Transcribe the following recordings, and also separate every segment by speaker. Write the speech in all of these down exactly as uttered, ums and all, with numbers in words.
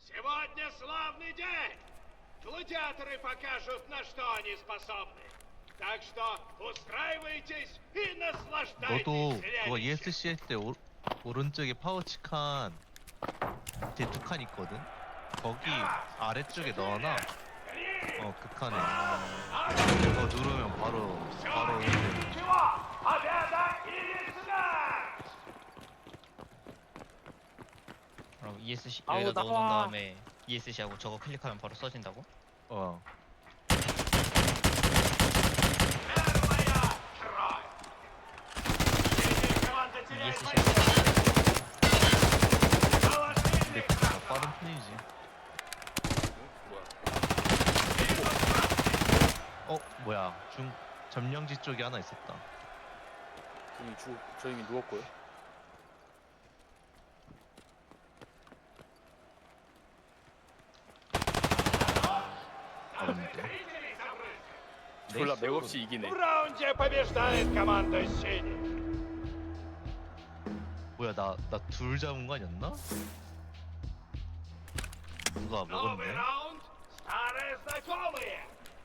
Speaker 1: Сегодня славный день! Гладиаторы покажут, на что они способны. Так что устраивайтесь и наслаждайтесь
Speaker 2: 너도 그거
Speaker 1: зрелищем.
Speaker 2: 이에스씨 할 때 오른쪽에 파우치 칸 뒤에 두 칸 있거든? 거기 아래쪽에 넣어놔. 어, 그 칸에. 그거 누르면 바로 바로 이제
Speaker 1: Победа или смерть!
Speaker 3: 그럼 이에스씨
Speaker 4: 아우,
Speaker 3: 여기다 넣어놓은
Speaker 4: 나와.
Speaker 3: 다음에 이에스씨하고 저거 클릭하면 바로 써진다고?
Speaker 2: 어.
Speaker 1: Первая кровь! Синяя команда теряет
Speaker 3: 이에스씨
Speaker 2: 근데 더 빠른 편이지. 어, 뭐야? 중 점령지 쪽에 하나 있었다.
Speaker 4: 저기 죽, 저 이미 누웠고요.
Speaker 2: 없는데.
Speaker 4: 졸라 맥없이 이기네.
Speaker 1: В раунде побеждает команда синих.
Speaker 2: 뭐야, 나 나 둘 잡은 거 아니었나? 누가
Speaker 1: Новый
Speaker 2: 먹었네?
Speaker 1: раунд. Старые знакомые.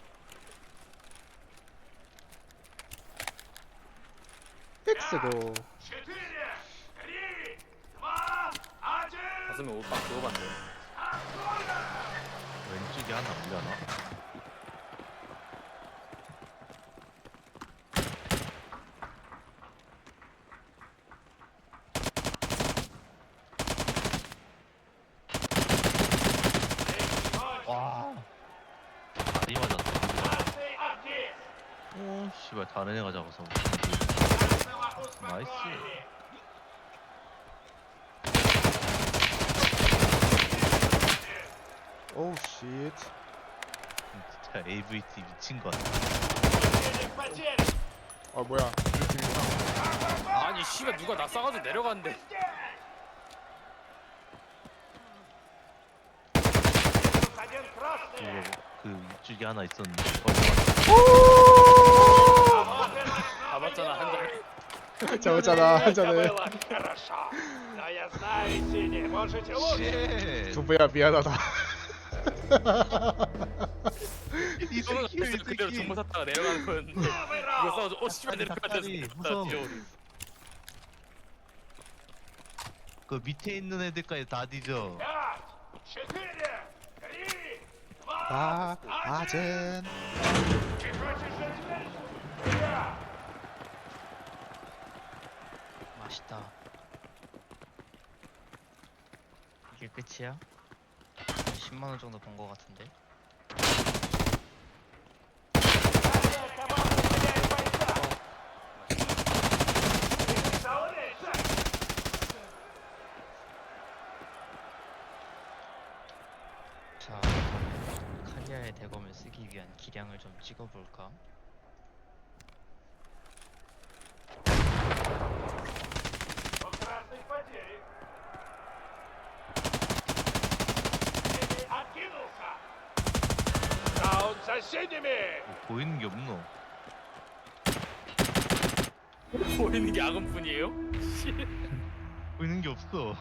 Speaker 5: X고
Speaker 1: Четыре, три, два, один.
Speaker 4: 가슴에 옷 막 누워봤네.
Speaker 2: 왼쪽에 하나 올려놔. 와, 다리 맞았다.
Speaker 1: Красный артист.
Speaker 2: 오, 씨발 다른 애가 잡아서.
Speaker 1: Красного
Speaker 2: Nice.
Speaker 1: успокоили.
Speaker 5: 오우 쉣.
Speaker 2: 진짜 에이브이티 미친 거 같아.
Speaker 1: Противник потерян.
Speaker 5: 아 뭐야 우리 팀이구나.
Speaker 4: 아니 씨발 누가 나 싸가지고 내려갔는데.
Speaker 1: Минус один
Speaker 2: 그거
Speaker 1: красный.
Speaker 2: 그 위쪽에 하나 있었는데.
Speaker 4: 잡았잖아 한 장.
Speaker 5: 잡았잖아 한
Speaker 1: Это
Speaker 5: 잔에.
Speaker 1: было хорошо. Но я знаю, синие, можете лучше.
Speaker 2: 쉣!
Speaker 5: 두부야 미안하다.
Speaker 2: 이
Speaker 4: 저는
Speaker 2: 새끼, 이
Speaker 4: 그래서 그대로
Speaker 2: 새끼.
Speaker 4: 정보 샀다가 내려가는 거였는데.
Speaker 1: Новый
Speaker 4: 이거
Speaker 1: раунд.
Speaker 4: 싸가지고 어 씨발
Speaker 2: 아니,
Speaker 4: 내려가자.
Speaker 2: 닭다리 무서워.
Speaker 4: 뛰어오르.
Speaker 2: 그 밑에 있는 애들까지 다 뒤져.
Speaker 1: Пять, четыре, три,
Speaker 5: 아
Speaker 1: два, один.
Speaker 5: 아젠.
Speaker 1: Ты хочешь жить вечно? Я.
Speaker 3: 맛있다. 이게 끝이야? 십만 원 정도 번 거 같은데.
Speaker 1: Команда теряет бойца. Представляешь?
Speaker 3: 자, 칼리아의 대검을 쓰기 위한 기량을 좀 찍어볼까?
Speaker 1: У красных потери. Синий откинулся. Раунд за синими.
Speaker 2: 뭐 보이는 게 없노.
Speaker 4: 보이는 게 악음뿐이에요?
Speaker 2: 보이는 게 없어.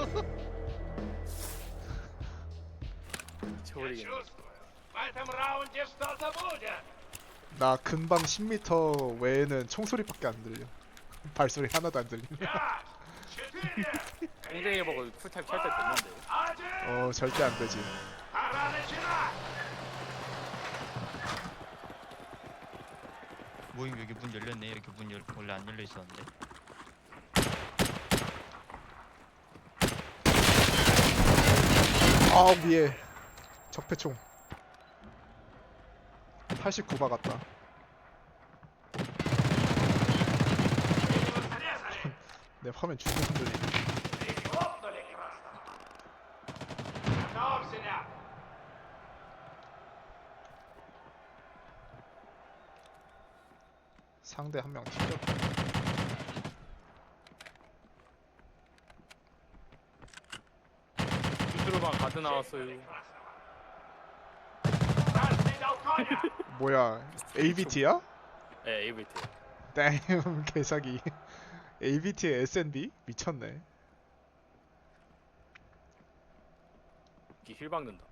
Speaker 1: Я
Speaker 4: 저버리겠네.
Speaker 1: чувствую. В этом раунде что-то будет.
Speaker 5: 나 근방 십 미터 외에는 총소리밖에 안 들려. 발소리 하나도 안 들려.
Speaker 1: Пять, четыре,
Speaker 4: 땡땡이 보고 쿨타임 찰때 됐는데.
Speaker 1: один.
Speaker 5: 어 절대 안 되지.
Speaker 1: Пора начинать.
Speaker 3: 모임 여기 문 열렸네. 여기 문 열, 원래 안 열려 있었는데.
Speaker 5: 아 위에 적폐총. 팔십구 박았다.
Speaker 1: Синего срезали.
Speaker 5: 내 화면 죽는 흔들리네.
Speaker 1: Прихлопнули красного. Готов, синяк.
Speaker 5: 상대 한 명 튕겼다.
Speaker 4: 주스로만 가드 나왔어요.
Speaker 1: Красный дал коня.
Speaker 5: 뭐야 에이비티야?
Speaker 4: 예, 에이브이티.
Speaker 5: 땡 개사기. 에이비티의 에스엔비? 미쳤네.
Speaker 4: 이힐 박는다.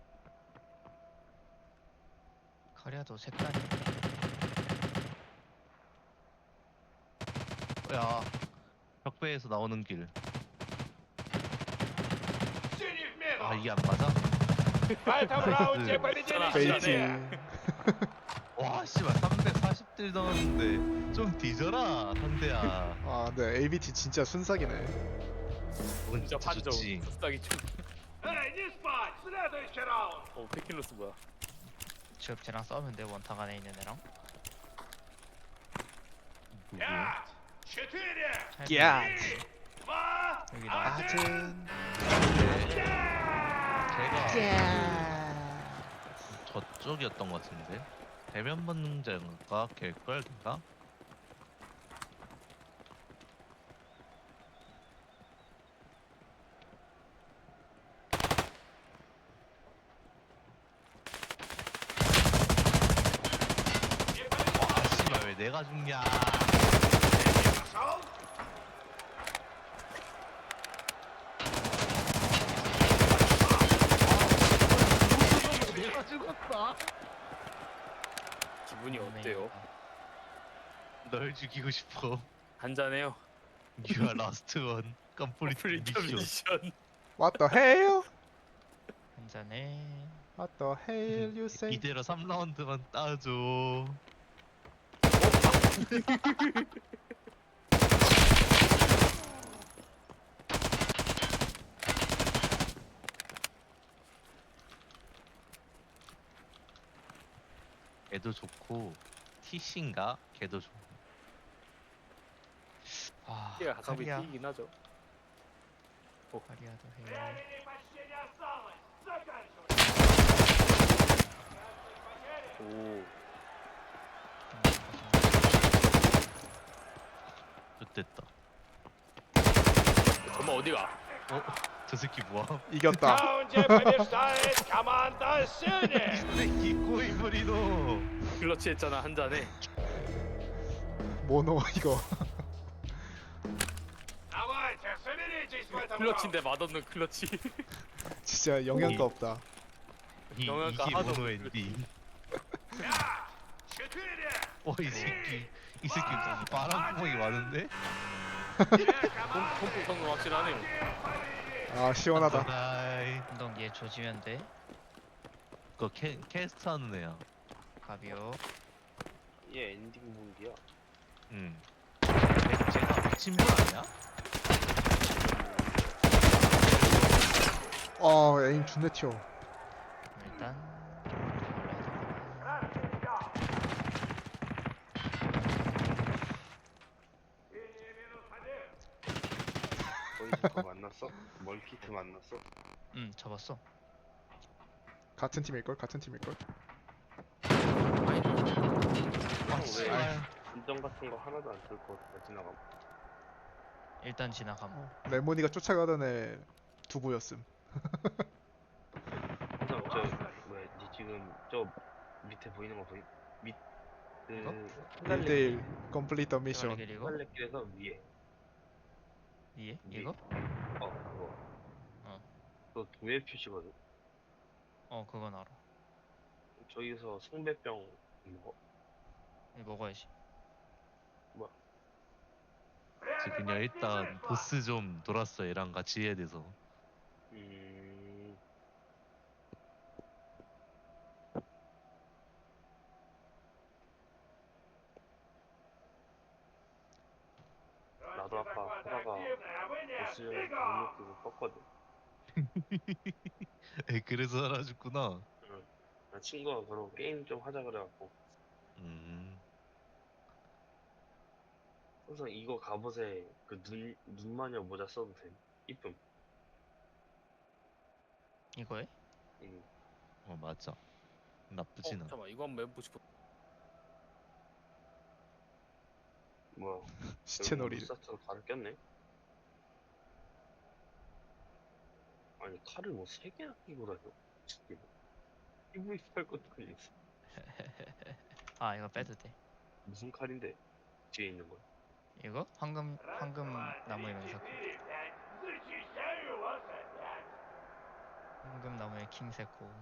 Speaker 3: 카리아도 색깔이
Speaker 2: 야, 벽배에서 나오는 길.
Speaker 1: Синий в мину!
Speaker 2: 아, 이게 안 맞아?
Speaker 1: В этом раунде победили
Speaker 5: 베이팅.
Speaker 1: синие!
Speaker 2: 와, 씨발, 삼백사십 딜 넣었는데 좀 뒤져라, 상대야.
Speaker 5: 아 근데 에이비티 진짜 순삭이네.
Speaker 2: 그건
Speaker 4: 진짜
Speaker 2: 진짜
Speaker 4: 판정.
Speaker 2: 좋지.
Speaker 4: 습삭이 좀.
Speaker 1: Эй, не спать! Следующий раунд!
Speaker 4: 어 페킬로스 뭐야?
Speaker 3: 지금 쟤랑 싸우면 돼. 원탁 안에 있는 애랑.
Speaker 2: 누구?
Speaker 1: Пять! Четыре!
Speaker 5: 야.
Speaker 1: Три! Два!
Speaker 3: 여기 나.
Speaker 1: Один!
Speaker 2: 제가 그 저쪽이었던 것 같은데 대면 번능자인가 걔걸 걔가? 아 씨발 왜 내가 죽냐?
Speaker 1: Пошел!
Speaker 2: 내가 죽었다.
Speaker 4: 기분이
Speaker 3: 네.
Speaker 4: 어때요?
Speaker 2: 널 죽이고 싶어.
Speaker 4: 한잔해요.
Speaker 2: You are last one. 컴플리트
Speaker 4: 프리터
Speaker 2: 미션.
Speaker 4: 미션.
Speaker 5: What the hell?
Speaker 3: 한잔해.
Speaker 5: What the hell you say?
Speaker 2: 이대로 삼 라운드만 따줘. 걔도 좋고 티씨인가? 걔도 좋고.
Speaker 3: 아,
Speaker 4: 얘가 가성비
Speaker 3: 카리아.
Speaker 4: 튀긴 하죠.
Speaker 3: 카리아도 해.
Speaker 1: Времени почти не осталось! Заканчивай!
Speaker 4: 오.
Speaker 2: 좋됐다.
Speaker 4: 정말 어디가?
Speaker 2: 어? 저 새끼 뭐야?
Speaker 1: В
Speaker 5: 이겼다.
Speaker 1: раунде побеждает команда синих!
Speaker 2: 이 새끼 꼬이부리노.
Speaker 4: 클러치 했잖아 한 잔에.
Speaker 5: 모노 이거.
Speaker 1: Давайте, соберитесь в этом раунде!
Speaker 4: 클러치인데 맛없는 클러치.
Speaker 5: 진짜 영양가 없다.
Speaker 2: 이,
Speaker 4: 영양가
Speaker 2: 이게
Speaker 4: 하나도
Speaker 2: 모노
Speaker 4: 없는
Speaker 2: 엔딩.
Speaker 1: Пять! Четыре!
Speaker 2: 어, 이 새끼. 이 새끼 파란 구멍이 많은데?
Speaker 1: Две команды!
Speaker 4: 콤프 성능 확실하네요.
Speaker 5: 아 시원하다.
Speaker 2: 나이.
Speaker 3: 운동 얘 조지면 돼.
Speaker 2: 그거 캐, 캐스트 하는 애야.
Speaker 3: 가비오.
Speaker 6: 얘 엔딩 무기야.
Speaker 2: 응. 걔, 쟤가 미친 분 아니야?
Speaker 5: 어 에임 존내 튀어.
Speaker 3: 일단
Speaker 1: Синий минус один!
Speaker 6: 보이즈거 만났어? 멀키트 만났어?
Speaker 3: 음 접었어.
Speaker 5: 같은 팀일 걸 같은 팀일 걸.
Speaker 2: 아,
Speaker 6: 왜
Speaker 2: 씨발.
Speaker 6: 인정 같은 거 하나도 안 들고 다 지나가.
Speaker 3: 일단 지나감.
Speaker 5: 레모니가 쫓아가던 애 두부였음.
Speaker 6: 항상 저 뭐야 니 지금 저 밑에 보이는 거 보이? 밑 그
Speaker 5: 일 대일 컴플리트 미션.
Speaker 3: 이거 이거
Speaker 6: 휘발레길에서 위에.
Speaker 3: 위에
Speaker 6: 위에.
Speaker 3: 이거?
Speaker 6: 어 그거.
Speaker 3: 어.
Speaker 6: 그거 동일 표시거든.
Speaker 3: 어 그건 알아.
Speaker 6: 저기서 성배병 먹어.
Speaker 3: 이거 먹어야지.
Speaker 2: 저 그냥 일단 보스 좀 돌았어. 얘랑 같이 해야 돼서.
Speaker 6: 음. 나도 아까 하다가
Speaker 1: Активная, а вы нет!
Speaker 6: 보스 전에
Speaker 1: Бегом!
Speaker 6: 눈을 뜨고 껐거든.
Speaker 2: 에 그래서 살아줬구나.
Speaker 6: 나 친구가 그러고 게임 좀 하자 그래갖고
Speaker 2: 음.
Speaker 6: 항상 이거 갑옷에 그 눈 눈마녀 모자 써도 돼. 이쁨.
Speaker 3: 이거에?
Speaker 6: 응.
Speaker 2: 어 맞아.
Speaker 4: 어,
Speaker 2: 나쁘진 않아.
Speaker 4: 잠깐만 이거 한번 해보고 싶어.
Speaker 6: 뭐야?
Speaker 5: 시체놀이.
Speaker 6: 사처럼 칼을 꼈네. 아니 칼을 뭐 세 개나 끼고 다녀. 지금 피브이팔 것도 아니었어.
Speaker 3: 아 이거 빼도 돼.
Speaker 6: 무슨 칼인데? 뒤에 있는 거.
Speaker 3: 이거? 황금 황금 나무 이면서
Speaker 1: Четыре, пять! Зачищаю вас опять!
Speaker 3: 황금나무에 킹세코.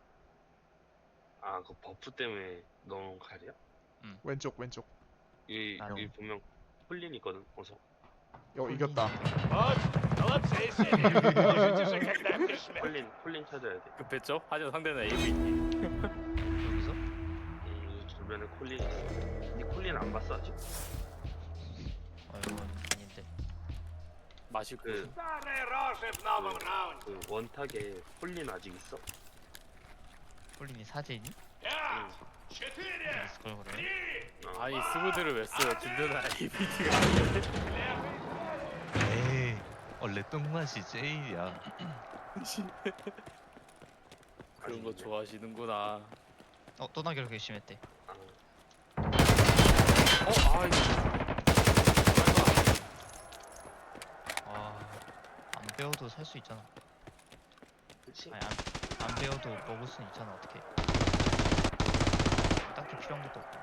Speaker 6: 아, 그 버프 때문에 넣은 칼이야?
Speaker 5: 왼쪽 왼쪽.
Speaker 6: 이,
Speaker 3: 나도.
Speaker 6: 이 보면 콜린 있거든, 어서.
Speaker 5: 어 이겼다.
Speaker 1: Вот, молодцы, Сири. Можете же, когда пришли.
Speaker 6: 콜린, 콜린 찾아야 돼.
Speaker 4: 급했죠? 하지만 상대는 에이브이.
Speaker 3: 여기서?
Speaker 6: 이 주변에 콜린. 니 콜린 안 봤어, 아직?
Speaker 3: 어 이건 아닌데.
Speaker 4: 맛있고.
Speaker 6: 그,
Speaker 1: Старые рожи в новом раунде.
Speaker 6: 그 원탁에 콜린 아직 있어?
Speaker 3: 폴린이 사제니?
Speaker 1: Пять, четыре,
Speaker 3: 있을 걸 그래.
Speaker 1: три,
Speaker 6: 어.
Speaker 4: 아니 스브드를 왜 써요? 든든한 에이비디가.
Speaker 1: левый.
Speaker 2: 에이 원래 똥맛이 제일이야.
Speaker 4: 그런 거 좋아하시는구나.
Speaker 3: 어 또나기를 결심했대.
Speaker 6: 아,
Speaker 4: 어, 아이.
Speaker 3: 아안 배워도 살 수 있잖아.
Speaker 6: 그치?
Speaker 3: 아니 안, 안 배워도 먹을 수는 있잖아. 어떻게? 딱히 필요한 것도 없고.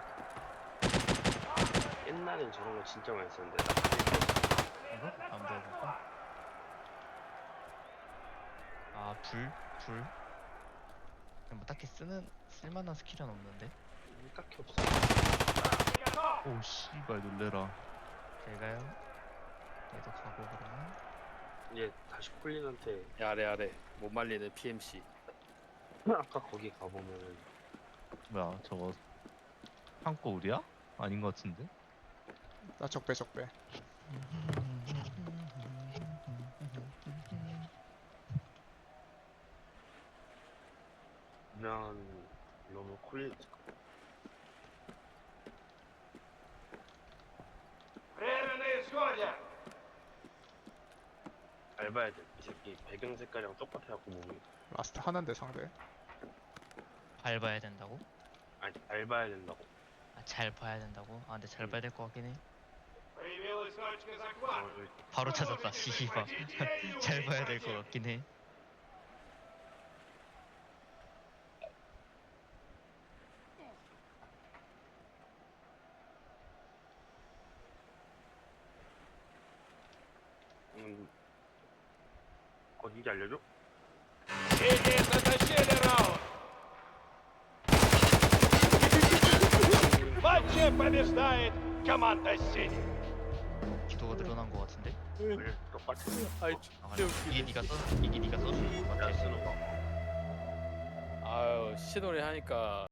Speaker 6: 옛날엔 저런 거 진짜 많이 썼는데. 나 그때
Speaker 3: 이거? 안 배워볼까? 아 불? 불? 그냥 뭐 딱히 쓰는 쓸만한 스킬은 없는데.
Speaker 6: 딱히 없어.
Speaker 2: 오 씨발 놀래라.
Speaker 3: 제가요? 얘도 가고 그러면
Speaker 6: 이제 다시 콜린한테
Speaker 4: 야래 야래 못 말리는 피엠씨.
Speaker 6: 아까 거기 가보면
Speaker 2: 뭐야 저거 한거 우리야? 아닌 것 같은데?
Speaker 5: 나 적배 적배.
Speaker 6: 유명한 이러면 콜린
Speaker 1: Время на исходе.
Speaker 6: 밟아야 돼. 이 새끼 배경 색깔이랑 똑같아갖고 몸이.
Speaker 5: 라스트 하나인데 상대.
Speaker 3: 밟아야 된다고?
Speaker 6: 아니 밟아야 된다고.
Speaker 3: 아, 잘 봐야 된다고? 아 근데 잘 봐야 될 것 같긴 해.
Speaker 1: Появилась точка
Speaker 6: 어,
Speaker 1: захвата.
Speaker 6: 여기
Speaker 3: 바로 찾았다. 씨발. 잘 봐야 될 것 같긴 해.
Speaker 6: 음, 어딘지 알려줘?
Speaker 1: Синие затащили раунд. В матче побеждает команда Синий.
Speaker 3: 기도가 늘어난 것 같은데?
Speaker 6: 그래 똑같아.
Speaker 4: 아이
Speaker 3: 아,
Speaker 4: 진짜
Speaker 3: 이게
Speaker 4: 웃기네.
Speaker 3: 네가 써 이게 네가 써준 것
Speaker 6: 내가
Speaker 3: 같아.
Speaker 6: 쓰는 거.
Speaker 4: 아유 시노래 하니까